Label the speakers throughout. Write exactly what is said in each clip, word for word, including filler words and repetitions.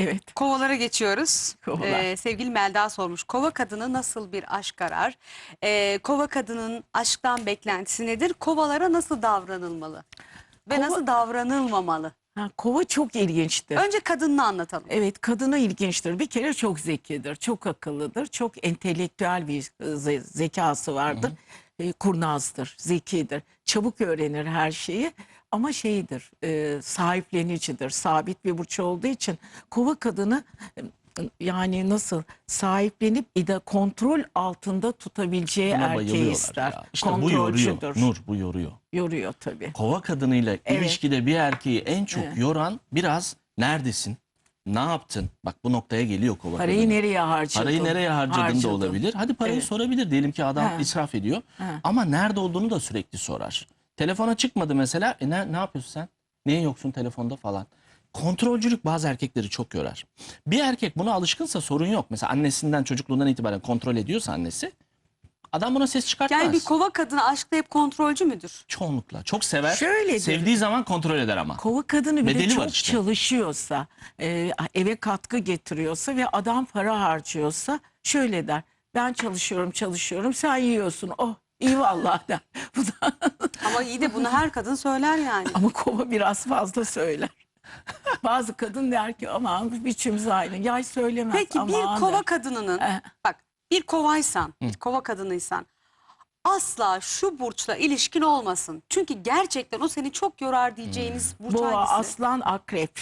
Speaker 1: Evet.
Speaker 2: Kovalara geçiyoruz.
Speaker 1: Kovalar.
Speaker 2: Ee, sevgili Melda sormuş. Kova kadını nasıl bir aşk arar? Ee, kova kadının aşktan beklentisi nedir? Kovalara nasıl davranılmalı? Ve
Speaker 1: Kova-
Speaker 2: nasıl davranılmamalı?
Speaker 1: Ha, kova çok ilginçtir.
Speaker 2: Önce kadınını anlatalım.
Speaker 1: Evet, kadına ilginçtir. Bir kere çok zekidir, çok akıllıdır, çok entelektüel bir e, ze- zekası vardır. E, kurnazdır, zekidir, çabuk öğrenir her şeyi. Ama şeydir, e, sahiplenicidir, sabit bir burç olduğu için kova kadını e, yani nasıl sahiplenip ida kontrol altında tutabileceği
Speaker 3: Buna
Speaker 1: erkeği
Speaker 3: bayılıyorlar
Speaker 1: ister.
Speaker 3: ya. İşte bu yoruyor.
Speaker 1: Kontrolcüdür.
Speaker 3: Nur bu yoruyor.
Speaker 1: Yoruyor tabii.
Speaker 3: Kova kadınıyla
Speaker 1: Evet.
Speaker 3: ilişkide bir erkeği en çok
Speaker 1: Evet.
Speaker 3: yoran biraz neredesin? Ne yaptın? Bak bu noktaya geliyor kova
Speaker 1: Parayı
Speaker 3: kadını.
Speaker 1: nereye harcadın?
Speaker 3: Parayı nereye harcadın
Speaker 1: Harcadın.
Speaker 3: da olabilir. Hadi parayı
Speaker 1: Evet.
Speaker 3: sorabilir. Diyelim ki adam
Speaker 1: Ha.
Speaker 3: israf ediyor.
Speaker 1: Ha.
Speaker 3: Ama nerede olduğunu da sürekli sorar. Telefona çıkmadı mesela. E ne, ne yapıyorsun sen? Niye yoksun telefonda falan. Kontrolcülük bazı erkekleri çok yorar. Bir erkek buna alışkınsa sorun yok. Mesela annesinden çocukluğundan itibaren kontrol ediyorsa annesi, adam buna ses çıkartmaz.
Speaker 2: Yani bir kova kadını aşkta hep kontrolcü müdür?
Speaker 3: Çoğunlukla. Çok sever.
Speaker 1: Şöyledir.
Speaker 3: Sevdiği zaman kontrol eder ama.
Speaker 1: Kova kadını bir de
Speaker 3: Bedeli var
Speaker 1: çok
Speaker 3: işte.
Speaker 1: çalışıyorsa, e, eve katkı getiriyorsa ve adam para harcıyorsa şöyle der. Ben çalışıyorum çalışıyorum sen yiyorsun. Oh iyi vallahi der. Bu da
Speaker 2: Ama iyi de bunu her kadın söyler yani.
Speaker 1: ama kova biraz fazla söyler. Bazı kadın der ki aman biçimiz aynı. Yay söylemez.
Speaker 2: Peki
Speaker 1: aman
Speaker 2: bir
Speaker 1: der.
Speaker 2: kova kadınının,
Speaker 1: Eh.
Speaker 2: bak bir kovaysan, bir kova kadınıysan asla şu burçla ilişkin olmasın. Çünkü gerçekten o seni çok yorar diyeceğiniz burç
Speaker 1: Boğa,
Speaker 2: hangisi?
Speaker 1: aslan, akrep.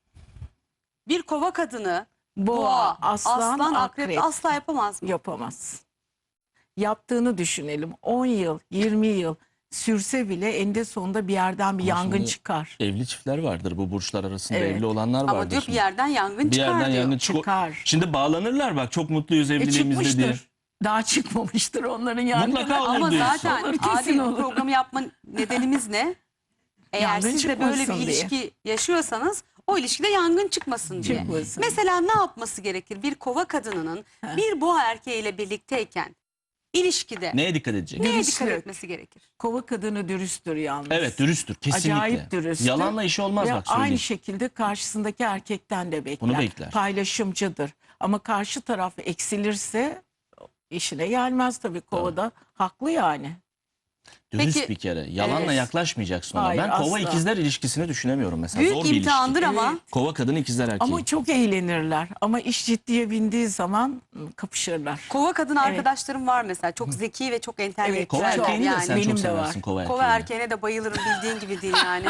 Speaker 2: Bir kova kadını
Speaker 1: Boğa,
Speaker 2: boğa,
Speaker 1: aslan,
Speaker 2: aslan, akrep,
Speaker 1: akrep.
Speaker 2: asla yapamaz mı?
Speaker 1: Yapamaz. Yaptığını düşünelim. on yıl, yirmi yıl sürse bile eninde sonunda bir yerden bir
Speaker 3: Ama
Speaker 1: yangın
Speaker 3: şimdi
Speaker 1: çıkar.
Speaker 3: Evli çiftler vardır. Bu burçlar arasında
Speaker 1: Evet.
Speaker 3: evli olanlar vardır.
Speaker 2: Ama diyor bir
Speaker 3: şimdi.
Speaker 2: yerden yangın
Speaker 3: Bir
Speaker 2: çıkar
Speaker 3: yerden
Speaker 2: diyor.
Speaker 3: yangın çık-
Speaker 1: Çıkar.
Speaker 3: Şimdi bağlanırlar bak çok mutluyuz
Speaker 1: E
Speaker 3: evliliğimizde diye.
Speaker 1: çıkmıştır. Daha çıkmamıştır onların yangını.
Speaker 3: Mutlaka olur
Speaker 2: Ama
Speaker 3: diyorsun.
Speaker 2: zaten
Speaker 1: Olur, kesin
Speaker 2: adil bu
Speaker 1: olur.
Speaker 2: programı yapma nedenimiz ne? Eğer
Speaker 1: Yangın
Speaker 2: siz de böyle bir
Speaker 1: çıkmasın diye.
Speaker 2: ilişki yaşıyorsanız o ilişkide yangın çıkmasın diye.
Speaker 1: Çıkmasın.
Speaker 2: Mesela ne yapması gerekir? Bir kova kadınının bir boğa erkeğiyle birlikteyken ilişkide
Speaker 3: Neye dikkat edecek?
Speaker 2: neye
Speaker 1: Dürüstlük.
Speaker 2: dikkat etmesi gerekir?
Speaker 1: Kova kadını dürüsttür yalnız.
Speaker 3: Evet dürüsttür kesinlikle.
Speaker 1: Acayip dürüsttür.
Speaker 3: Yalanla işi olmaz
Speaker 1: Ve
Speaker 3: bak söyleyeyim.
Speaker 1: aynı şekilde karşısındaki erkekten de bekler.
Speaker 3: Bunu bekler.
Speaker 1: Paylaşımcıdır. Ama karşı taraf eksilirse işine gelmez tabii kovada. Haklı yani.
Speaker 3: Dürüst
Speaker 2: Peki,
Speaker 3: bir kere. Yalanla
Speaker 1: evet.
Speaker 3: yaklaşmayacaksın ona.
Speaker 1: Hayır,
Speaker 3: Ben kova
Speaker 1: asla.
Speaker 3: ikizler ilişkisini düşünemiyorum mesela.
Speaker 2: Büyük
Speaker 3: Zor bir
Speaker 2: imtihandır
Speaker 3: ilişki.
Speaker 2: ama
Speaker 1: Evet.
Speaker 3: Kova kadın ikizler erkeği.
Speaker 1: Ama çok eğlenirler. Ama iş ciddiye bindiği zaman ı, kapışırlar.
Speaker 2: kova kadın arkadaşlarım var mesela. Çok zeki ve çok
Speaker 3: Kova
Speaker 2: entelektüel
Speaker 3: erkeğini de
Speaker 2: yani.
Speaker 3: sen
Speaker 1: Benim
Speaker 3: çok
Speaker 1: de
Speaker 3: seversin
Speaker 1: var.
Speaker 3: kova erkeğini.
Speaker 2: Kova erkeğine de bayılırım bildiğin gibi değil yani.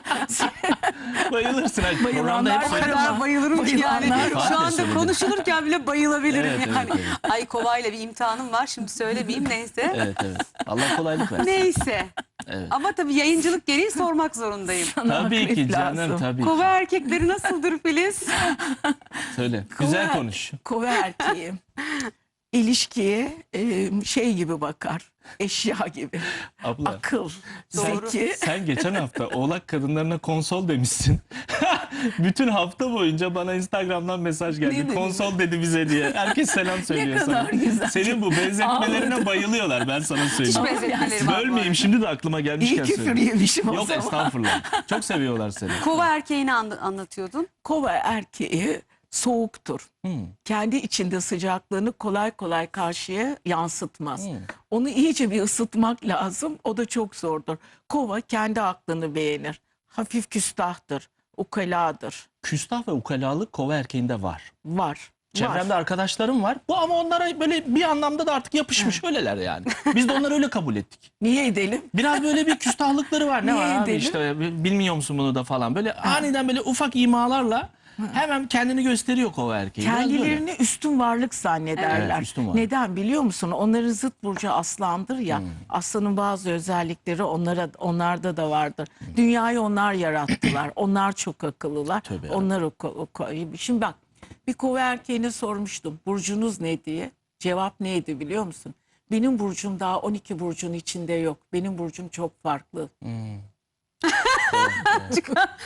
Speaker 3: Bayılırsın. Hani programda
Speaker 1: Bayılanlar
Speaker 3: hep
Speaker 2: O
Speaker 1: var
Speaker 3: söyledim.
Speaker 2: kadar
Speaker 1: ama
Speaker 2: bayılırım ki yani.
Speaker 1: bayılanlar
Speaker 3: var.
Speaker 2: Şu anda
Speaker 3: Söyledim.
Speaker 2: konuşulurken bile bayılabilirim
Speaker 3: Evet, evet,
Speaker 2: yani.
Speaker 3: evet.
Speaker 2: Ay kovayla bir imtihanım var şimdi söylemeyeyim neyse.
Speaker 3: Evet evet. Allah kolaylık versin.
Speaker 2: Neyse.
Speaker 3: Evet.
Speaker 2: Ama tabii yayıncılık gereği sormak zorundayım.
Speaker 1: Sana
Speaker 3: Tabii
Speaker 1: akrep
Speaker 3: ki canım
Speaker 1: lazım.
Speaker 3: tabii
Speaker 2: Kova
Speaker 3: ki.
Speaker 2: erkekleri nasıldır Filiz?
Speaker 3: Söyle.
Speaker 1: Kova-
Speaker 3: Güzel konuş.
Speaker 1: Kova erkeği ilişkiye e, şey gibi bakar. Eşya gibi.
Speaker 3: Abla.
Speaker 1: Akıl,
Speaker 2: Doğru.
Speaker 1: zeki.
Speaker 3: Sen geçen hafta oğlak kadınlarına konsol demişsin. Bütün hafta boyunca bana Instagram'dan mesaj
Speaker 1: Ne
Speaker 3: geldi.
Speaker 1: dedim
Speaker 3: Konsol dedi bize diye. Herkes selam söylüyor sana.
Speaker 1: kadar güzel.
Speaker 3: Senin bu benzetmelerine
Speaker 1: Ağladım.
Speaker 3: bayılıyorlar ben sana
Speaker 2: Hiç
Speaker 3: söyleyeyim.
Speaker 2: benzetmelerim var.
Speaker 3: Bölmeyeyim şimdi de aklıma
Speaker 1: İyi
Speaker 3: gelmişken
Speaker 1: küfür
Speaker 3: söyleyeyim.
Speaker 1: yemişim o
Speaker 3: Yok
Speaker 1: zaman.
Speaker 3: estağfurullah. Çok seviyorlar seni.
Speaker 2: Kova erkeğini an- anlatıyordun.
Speaker 1: Kova erkeği soğuktur.
Speaker 3: Hmm.
Speaker 1: Kendi içinde sıcaklığını kolay kolay karşıya yansıtmaz.
Speaker 3: Hmm.
Speaker 1: Onu iyice bir ısıtmak lazım. O da çok zordur. Kova kendi aklını beğenir. Hafif küstahtır. Ukaladır.
Speaker 3: Küstah ve ukalalık kova erkeğinde var.
Speaker 1: Var.
Speaker 3: Çevremde
Speaker 1: var.
Speaker 3: arkadaşlarım var. Bu ama onlara böyle bir anlamda da artık yapışmış öyleler yani. Biz de onları öyle kabul ettik.
Speaker 1: Niye edelim?
Speaker 3: Biraz böyle bir küstahlıkları var. Ne
Speaker 1: Niye
Speaker 3: var abi
Speaker 1: edelim?
Speaker 3: işte bilmiyor musun bunu da falan. Böyle aniden böyle ufak imalarla hemen kendini gösteriyor kova erkeği. Biraz böyle.
Speaker 1: Kendilerini üstün varlık zannederler.
Speaker 3: Evet, üstün varlık.
Speaker 1: Neden biliyor musun? Onların zıt burcu aslandır ya.
Speaker 3: Hmm.
Speaker 1: Aslanın bazı özellikleri onlara onlarda da vardır. Dünyayı onlar yarattılar. Onlar çok akıllılar.
Speaker 3: Tövbe
Speaker 1: Onlar o, o, o- Şimdi bak bir kova erkeğine sormuştum. Burcunuz ne diye. Cevap neydi biliyor musun? Benim burcum daha on iki burcun içinde yok. Benim burcum çok farklı.
Speaker 3: Hmm,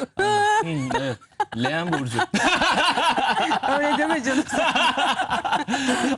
Speaker 3: evet. Leğen burcu.
Speaker 2: Öyle deme canım.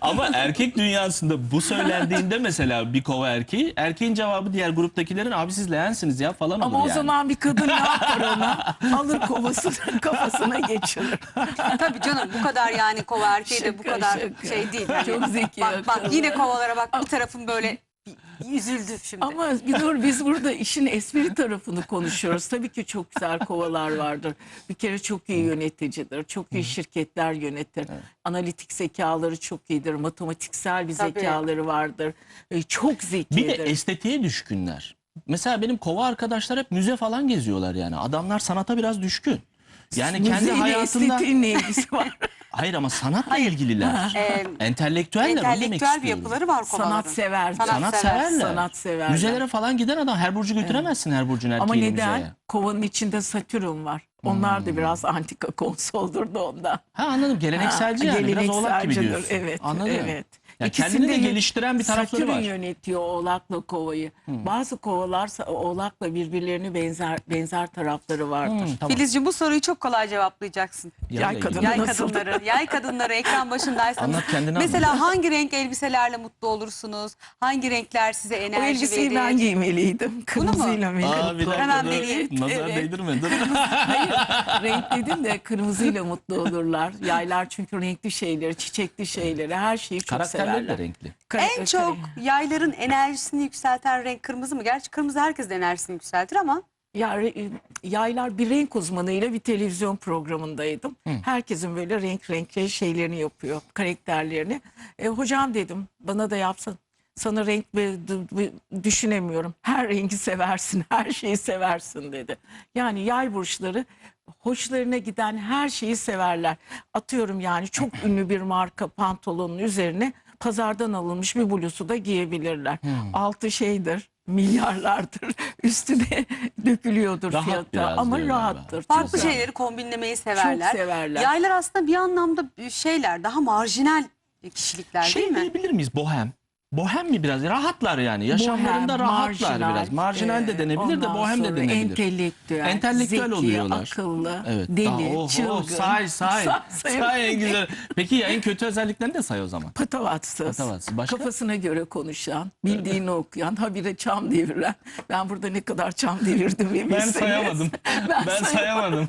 Speaker 3: Ama erkek dünyasında bu söylendiğinde mesela bir kova erkeği, erkeğin cevabı diğer gruptakilerin abi siz leğensiniz ya falan olur
Speaker 1: Ama o
Speaker 3: yani.
Speaker 1: zaman bir kadın ne yapar ona? Alır kovasını kafasına geçirir.
Speaker 2: Tabii canım bu kadar yani kova erkeği de bu
Speaker 1: Şaka,
Speaker 2: kadar
Speaker 1: şaka.
Speaker 2: şey değil. Hani
Speaker 1: Çok zeki,
Speaker 2: Bak, bak
Speaker 1: akıllı.
Speaker 2: yine kovalara bak bir tarafım böyle üzüldü şimdi.
Speaker 1: Ama bir dur, biz burada işin espri tarafını konuşuyoruz. Tabii ki çok güzel kovalar vardır. Bir kere çok iyi yöneticidir. Çok iyi şirketler yönetir. Analitik zekaları çok iyidir. Matematiksel bir
Speaker 2: Tabii.
Speaker 1: zekaları vardır. E, Çok zekidir.
Speaker 3: Bir de estetiğe düşkünler. Mesela benim kova arkadaşlar hep müze falan geziyorlar yani. Adamlar sanata biraz düşkün. Yani kendi
Speaker 1: Müzeyle
Speaker 3: hayatında...
Speaker 1: estetiğin ne ilgisi var?
Speaker 3: Hayır ama sanatla ilgililer.
Speaker 2: Ee,
Speaker 3: Entelektüeller onu demek
Speaker 2: entelektüel bir
Speaker 3: istiyorum.
Speaker 2: yapıları var kovaların.
Speaker 1: Sanat sever.
Speaker 2: Sanat
Speaker 3: Sanat
Speaker 2: sever.
Speaker 3: severler.
Speaker 1: Sanat severler.
Speaker 3: Müzelere falan giden adam her burcu götüremezsin her burcun erkeğini
Speaker 1: Ama neden?
Speaker 3: müzeye.
Speaker 1: Kovanın içinde Satürn var. Onlar da biraz antika konsoldur da ondan.
Speaker 3: Ha anladım gelenekselci
Speaker 1: Ha,
Speaker 3: yani biraz oğlak gibi
Speaker 1: gelenekselcidir,
Speaker 3: diyorsun.
Speaker 1: Evet.
Speaker 3: Anladım.
Speaker 1: Evet.
Speaker 3: Ya
Speaker 1: İkisinde
Speaker 3: kendini de
Speaker 1: yön-
Speaker 3: geliştiren bir tarafları
Speaker 1: Satürn
Speaker 3: var.
Speaker 1: yönetiyor oğlakla kovayı. Bazı kovalar sa- oğlakla birbirlerine benzer benzer tarafları vardır.
Speaker 3: Hmm, tamam.
Speaker 2: Filizciğim bu soruyu çok kolay cevaplayacaksın.
Speaker 3: Yayla
Speaker 1: Yay
Speaker 3: ilgili.
Speaker 1: kadını.
Speaker 2: Yay
Speaker 1: Nasıl?
Speaker 2: kadınları, yay kadınları ekran başındaysanız.
Speaker 3: Anlat kendini
Speaker 2: Mesela
Speaker 3: anlat.
Speaker 2: hangi renk elbiselerle mutlu olursunuz? Hangi renkler size
Speaker 1: O
Speaker 2: enerji
Speaker 1: elbiseyi
Speaker 2: verir?
Speaker 1: ben giymeliydim. Kırmızıyla mı?
Speaker 3: Aa, bir dakika,
Speaker 2: Hemen
Speaker 3: dur.
Speaker 2: vereyim.
Speaker 3: Nazar
Speaker 1: Evet.
Speaker 3: değdirme dur.
Speaker 1: Hayır, renk dedim de kırmızıyla mutlu olurlar. Yaylar çünkü renkli şeyleri, çiçekli şeyleri, her şeyi çok
Speaker 3: Karakterleri
Speaker 1: severler.
Speaker 3: de renkli.
Speaker 1: Kare-
Speaker 2: En çok yayların enerjisini yükselten renk kırmızı mı? Gerçi kırmızı herkesin enerjisini yükseltir ama
Speaker 1: Ya re- yaylar bir renk uzmanıyla bir televizyon programındaydım. Herkesin böyle renk renkli şeylerini yapıyor, karakterlerini. E, hocam dedim bana da yapsın. Sana renk ve d- d- düşünemiyorum. Her rengi seversin, her şeyi seversin dedi. Yani yay burçları hoşlarına giden her şeyi severler. Atıyorum yani çok ünlü bir marka pantolonun üzerine pazardan alınmış bir bluzu da giyebilirler. Altı şeydir, milyarlardır. Üstü de dökülüyordur
Speaker 3: Rahat
Speaker 1: fiyata
Speaker 3: biraz
Speaker 1: ama
Speaker 3: diyor galiba.
Speaker 1: rahattır.
Speaker 2: farklı
Speaker 1: Çok-
Speaker 2: şeyleri kombinlemeyi severler.
Speaker 1: Çok severler.
Speaker 2: Yaylar aslında bir anlamda şeyler, daha marjinal kişilikler değil
Speaker 3: Şey
Speaker 2: mi?
Speaker 3: diyebilir miyiz bohem? Bohem mi biraz? Rahatlar yani. Yaşamlarında
Speaker 1: Bohem,
Speaker 3: rahatlar
Speaker 1: marjinal,
Speaker 3: biraz. Marjinal de
Speaker 1: e,
Speaker 3: denebilir de
Speaker 1: ondan
Speaker 3: bohem de
Speaker 1: sonra
Speaker 3: denebilir.
Speaker 1: Entelektüel,
Speaker 3: Entelektüel
Speaker 1: zeki,
Speaker 3: oluyorlar.
Speaker 1: akıllı,
Speaker 3: Evet.
Speaker 1: deli,
Speaker 3: Daha- oh,
Speaker 1: çılgın.
Speaker 3: oh, say say.
Speaker 1: Say, say.
Speaker 3: Say en güzel. Peki ya en kötü özelliklerini de say o zaman.
Speaker 1: Patavatsız,
Speaker 3: Patavatsız. Başka?
Speaker 1: kafasına göre konuşan, bildiğini okuyan, habire çam deviren. Ben burada ne kadar çam devirdim bir
Speaker 3: Ben
Speaker 1: bilseniz.
Speaker 3: sayamadım.
Speaker 1: Ben
Speaker 3: ben sayamadım.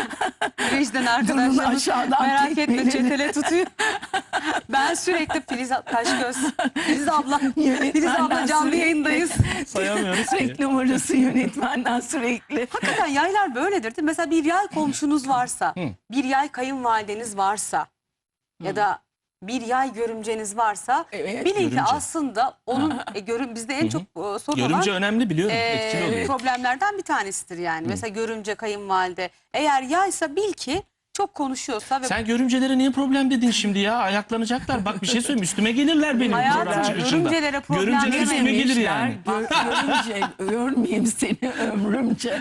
Speaker 2: Vicdan
Speaker 1: Durun
Speaker 2: arkadaşlarımız
Speaker 1: aşağıdan
Speaker 2: merak etme
Speaker 1: tekmelerini.
Speaker 2: çetele tutuyor. Ben sürekli Filiz Taşgöz, Filiz abla, Filiz
Speaker 1: Yönetmenden
Speaker 2: abla canlı
Speaker 1: sürekli-
Speaker 2: yayındayız.
Speaker 3: Sayamıyoruz ki.
Speaker 1: Reklam arası yönetmenden sürekli.
Speaker 2: Hakikaten yaylar böyledir değil mi? Mesela bir yay komşunuz varsa, bir yay kayınvalideniz varsa ya da bir yay görümceniz varsa
Speaker 1: Evet.
Speaker 2: bilin ki
Speaker 3: Görümce.
Speaker 2: aslında onun e, görüm bizde en çok e, sorun
Speaker 3: Görümce
Speaker 2: olan
Speaker 3: önemli biliyorum.
Speaker 2: e,
Speaker 3: Etkili oluyor.
Speaker 2: problemlerden bir tanesidir yani. Mesela görümce kayınvalide eğer yaysa bil ki çok konuşuyorsa ve
Speaker 3: Sen görümcelere niye problem dedin şimdi ya? Ayaklanacaklar. Bak bir şey söyleyeyim. Üstüme gelirler benim
Speaker 2: Hayatım,
Speaker 3: program çıkışında.
Speaker 2: görümcelere problem
Speaker 3: Görümceler
Speaker 2: demeyin.
Speaker 3: üstüme gelir yani.
Speaker 1: Gör, görünce görmeyeyim seni ömrümce.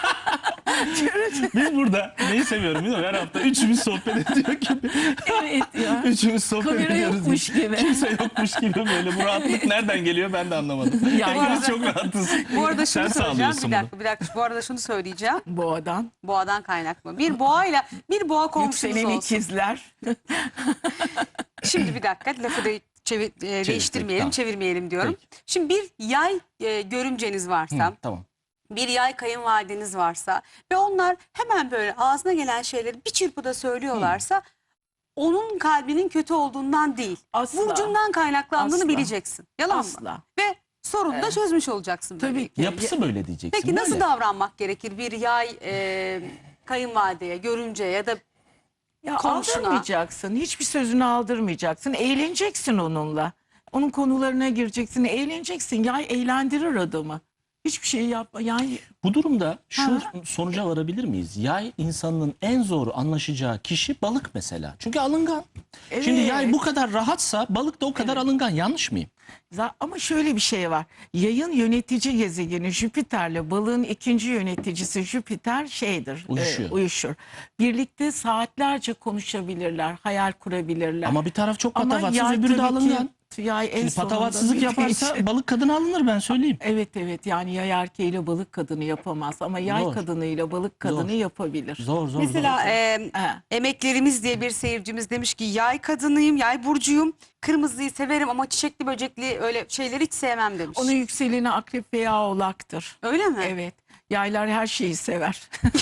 Speaker 3: Biz burada neyi seviyorum biliyor musun? Her hafta üçümüz sohbet ediyor gibi.
Speaker 1: Evet ya.
Speaker 3: Üçümüz sohbet
Speaker 1: Kamera
Speaker 3: ediyoruz.
Speaker 1: yokmuş gibi.
Speaker 3: Kimse yokmuş gibi böyle. Bu rahatlık nereden geliyor ben de anlamadım.
Speaker 1: Ya,
Speaker 3: Hepimiz
Speaker 1: ya.
Speaker 3: çok rahatız.
Speaker 2: bu arada şunu
Speaker 3: Sen
Speaker 2: söyleyeceğim.
Speaker 3: sağlıyorsun
Speaker 2: Bir
Speaker 3: bunu.
Speaker 2: dakika, bir dakika. Bu arada şunu söyleyeceğim.
Speaker 1: Boğadan.
Speaker 2: Boğadan kaynaklı. Bir boğayla bir boğa komşunuz
Speaker 1: Yükselen
Speaker 2: olsun.
Speaker 1: ikizler.
Speaker 2: Şimdi bir dakika lafı da çevir, e, değiştirmeyelim,
Speaker 3: tamam.
Speaker 2: çevirmeyelim diyorum.
Speaker 3: Peki.
Speaker 2: Şimdi bir yay e, görümceniz varsa,
Speaker 3: Hı, tamam.
Speaker 2: bir yay kayınvalideniz varsa ve onlar hemen böyle ağzına gelen şeyleri bir çırpıda söylüyorlarsa onun kalbinin kötü olduğundan değil,
Speaker 1: Asla.
Speaker 2: burcundan kaynaklandığını
Speaker 1: Asla.
Speaker 2: bileceksin. Yalan mı?
Speaker 1: Asla.
Speaker 2: Ve sorunu da çözmüş olacaksın.
Speaker 1: Tabii
Speaker 2: böylelikle.
Speaker 1: ki.
Speaker 3: Yapısı böyle diyeceksin.
Speaker 2: Peki nasıl
Speaker 3: böyle.
Speaker 2: davranmak gerekir bir yay e, kayınvalideye, görümceye ya da
Speaker 1: Ya
Speaker 2: komşuna?
Speaker 1: aldırmayacaksın. Hiçbir sözünü aldırmayacaksın. Eğleneceksin onunla. Onun konularına gireceksin. Eğleneceksin. Ya eğlendirir adamı. Hiçbir şey yapma. Yani
Speaker 3: Bu durumda şu
Speaker 1: Ha.
Speaker 3: sonuca varabilir miyiz? Yay insanın en zor anlaşacağı kişi balık mesela. Çünkü alıngan. Şimdi
Speaker 1: Evet.
Speaker 3: yay bu kadar rahatsa balık da o kadar alıngan. Yanlış mıyım?
Speaker 1: za- ama şöyle bir şey var. Yayın yönetici gezegeni Jüpiter'le balığın ikinci yöneticisi Jüpiter şeydir.
Speaker 3: Uyuşuyor.
Speaker 1: e, uyuşur. Birlikte saatlerce konuşabilirler. Hayal kurabilirler.
Speaker 3: Ama bir taraf çok
Speaker 1: Ama
Speaker 3: patavatsız
Speaker 1: yay
Speaker 3: öbürü de
Speaker 1: tabii ki
Speaker 3: alıngan.
Speaker 1: yay en
Speaker 3: Şimdi
Speaker 1: sonunda
Speaker 3: patavatsızlık
Speaker 1: bir
Speaker 3: yaparsa
Speaker 1: değişir.
Speaker 3: balık kadını alınır, ben söyleyeyim.
Speaker 1: Evet evet, yani yay erkeğiyle balık kadını yapamaz ama yay
Speaker 3: Zor.
Speaker 1: kadınıyla balık kadını
Speaker 3: Zor.
Speaker 1: yapabilir.
Speaker 3: Zor zor
Speaker 2: Mesela
Speaker 3: zor.
Speaker 2: e,
Speaker 1: Ha.
Speaker 2: emeklerimiz diye bir seyircimiz demiş ki yay kadınıyım, yay burcuyum. Kırmızıyı severim ama çiçekli böcekli öyle şeyleri hiç sevmem demiş.
Speaker 1: Onun yükseleni akrep veya oğlaktır.
Speaker 2: Öyle mi?
Speaker 1: Evet. Yaylar her şeyi sever.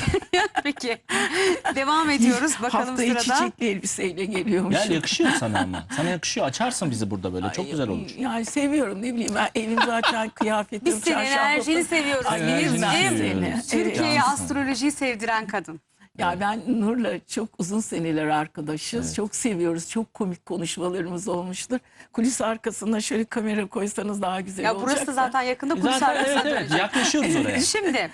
Speaker 2: Peki. Devam ediyoruz. Bakalım
Speaker 1: Haftayı
Speaker 2: sırada.
Speaker 1: çiçekli elbiseyle geliyormuş.
Speaker 3: Gel, yakışıyor sana ama. Sana yakışıyor. Açarsın bizi burada böyle. Çok güzel olur.
Speaker 1: Yani seviyorum, ne bileyim, ben evim zaten kıyafetim.
Speaker 2: Biz senin
Speaker 1: çarşafım.
Speaker 2: enerjini seviyoruz.
Speaker 1: Ay,
Speaker 3: Enerjini
Speaker 1: bilirsin
Speaker 3: seviyoruz.
Speaker 1: seni.
Speaker 3: Evet.
Speaker 2: Türkiye'ye
Speaker 3: Cansın.
Speaker 2: astrolojiyi sevdiren kadın.
Speaker 1: Ya ben Nur'la çok uzun seneler arkadaşız. Çok seviyoruz. Çok komik konuşmalarımız olmuştur. Kulis arkasına şöyle kamera koysanız daha güzel
Speaker 2: Ya
Speaker 1: olacak.
Speaker 2: burası da zaten yakında kulis
Speaker 3: Zaten
Speaker 2: arkasına
Speaker 3: evet evet
Speaker 2: dönecek.
Speaker 3: yaklaşıyoruz oraya.
Speaker 2: Şimdi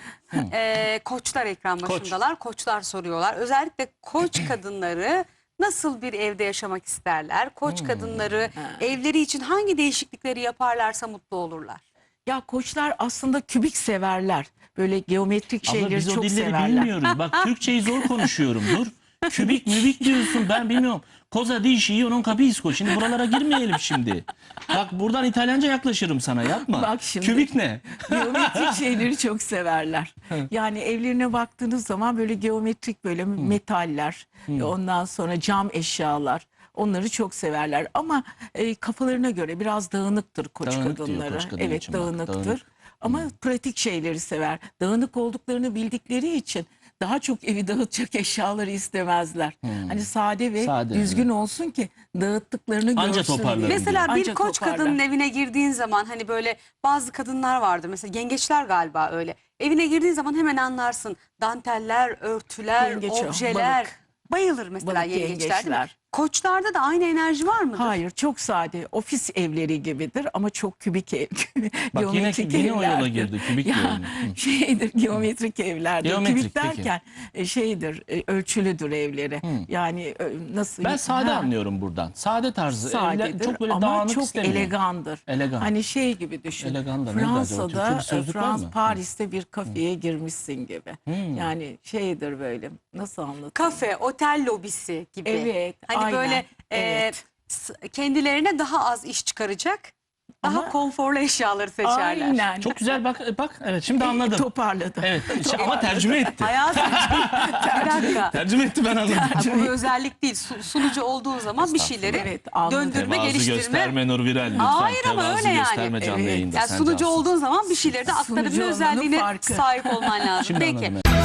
Speaker 2: e, koçlar ekran başındalar. Koçlar soruyorlar. Özellikle koç kadınları nasıl bir evde yaşamak isterler? Koç kadınları evleri için hangi değişiklikleri yaparlarsa mutlu olurlar.
Speaker 1: Ya koçlar aslında kübik severler. Böyle geometrik
Speaker 3: Abla
Speaker 1: şeyleri
Speaker 3: biz o
Speaker 1: çok
Speaker 3: dilleri
Speaker 1: severler.
Speaker 3: bilmiyoruz. Bak Türkçeyi zor konuşuyorum. Dur. Kübik mübik diyorsun, ben bilmiyorum. Cosa di io non capisco. Şimdi buralara girmeyelim şimdi. Bak buradan İtalyanca yaklaşırım sana, yapma.
Speaker 1: Bak şimdi.
Speaker 3: Kübik ne?
Speaker 1: Geometrik şeyleri çok severler. Yani evlerine baktığınız zaman böyle geometrik böyle metaller, ondan sonra cam eşyalar. Onları çok severler ama e, kafalarına göre biraz dağınıktır koç
Speaker 3: Dağınık diyor
Speaker 1: kadınları.
Speaker 3: koç kadın
Speaker 1: Evet,
Speaker 3: için bak,
Speaker 1: dağınıktır.
Speaker 3: dağınık.
Speaker 1: Ama pratik şeyleri sever. Dağınık olduklarını bildikleri için daha çok evi dağıtacak eşyaları istemezler. Hani sade ve
Speaker 3: Sade,
Speaker 1: düzgün olsun ki dağıttıklarını
Speaker 3: Anca
Speaker 1: görsün
Speaker 3: toparlarım
Speaker 1: diye.
Speaker 3: diyor.
Speaker 2: Mesela bir
Speaker 1: Anca
Speaker 2: koç
Speaker 1: toparlar.
Speaker 2: kadının evine girdiğin zaman hani böyle bazı kadınlar vardır. Mesela yengeçler galiba öyle. Evine girdiğin zaman hemen anlarsın. Danteller, örtüler,
Speaker 1: Yengeç o,
Speaker 2: objeler.
Speaker 1: balık.
Speaker 2: Bayılır mesela
Speaker 1: Balık
Speaker 2: yengeçler, değil mi?
Speaker 1: yengeçler.
Speaker 2: Koçlarda da aynı enerji var mıdır?
Speaker 1: Hayır, çok sade. Ofis evleri gibidir ama çok kübik ev.
Speaker 3: Bak yine,
Speaker 1: Geometrik
Speaker 3: yine o yola
Speaker 1: evlerdir.
Speaker 3: girdi. Kübik
Speaker 1: Ya,
Speaker 3: diyorum. Hı.
Speaker 1: şeydir, geometrik evlerdir.
Speaker 3: Geometrik,
Speaker 1: Kübik
Speaker 3: peki.
Speaker 1: derken e, şeydir, e, ölçülüdür evleri. Yani e, nasıl?
Speaker 3: Ben sade
Speaker 1: Ha,
Speaker 3: anlıyorum buradan. Sade tarzı. Evler
Speaker 1: sadedir
Speaker 3: çok böyle
Speaker 1: ama
Speaker 3: dağınık
Speaker 1: çok
Speaker 3: istemiyorum.
Speaker 1: elegandır.
Speaker 3: Elegan.
Speaker 1: Hani şey gibi düşün.
Speaker 3: Elegan da nedir acaba? Türkçe
Speaker 1: Fransa'da,
Speaker 3: bir sözlük var
Speaker 1: Frans,
Speaker 3: mı?
Speaker 1: Paris'te bir kafeye girmişsin gibi. Yani şeydir böyle. Nasıl anlatayım?
Speaker 2: Kafe, otel lobisi gibi.
Speaker 1: Evet,
Speaker 2: Hani
Speaker 1: aynen,
Speaker 2: böyle e,
Speaker 1: evet.
Speaker 2: s- kendilerine daha az iş çıkaracak, daha
Speaker 1: Ama-
Speaker 2: konforlu eşyaları seçerler.
Speaker 1: Aynen.
Speaker 3: Çok güzel, bak bak evet şimdi anladım.
Speaker 1: Toparladı.
Speaker 3: Evet ama tercüme etti.
Speaker 2: Hayatım bir dakika.
Speaker 3: Tercüme etti, ben anladım.
Speaker 2: Ha, bu bir özellik değil. Su- sunucu olduğun zaman bir şeyleri
Speaker 1: Evet, anladım.
Speaker 2: döndürme,
Speaker 3: Tevazu
Speaker 2: geliştirme.
Speaker 3: gösterme Nur Viral lütfen.
Speaker 2: Hayır ama
Speaker 3: Tevazu
Speaker 2: öyle yani.
Speaker 3: gösterme canlı
Speaker 1: Evet.
Speaker 3: yayında.
Speaker 2: Yani
Speaker 3: sen
Speaker 2: sunucu
Speaker 3: cansın.
Speaker 2: olduğun zaman bir şeyleri de
Speaker 1: Sunucu
Speaker 2: aktarabilme
Speaker 1: olmanın
Speaker 2: özelliğine
Speaker 1: farkı.
Speaker 2: sahip olman lazım.
Speaker 3: Şimdi
Speaker 2: Peki.
Speaker 3: anladım.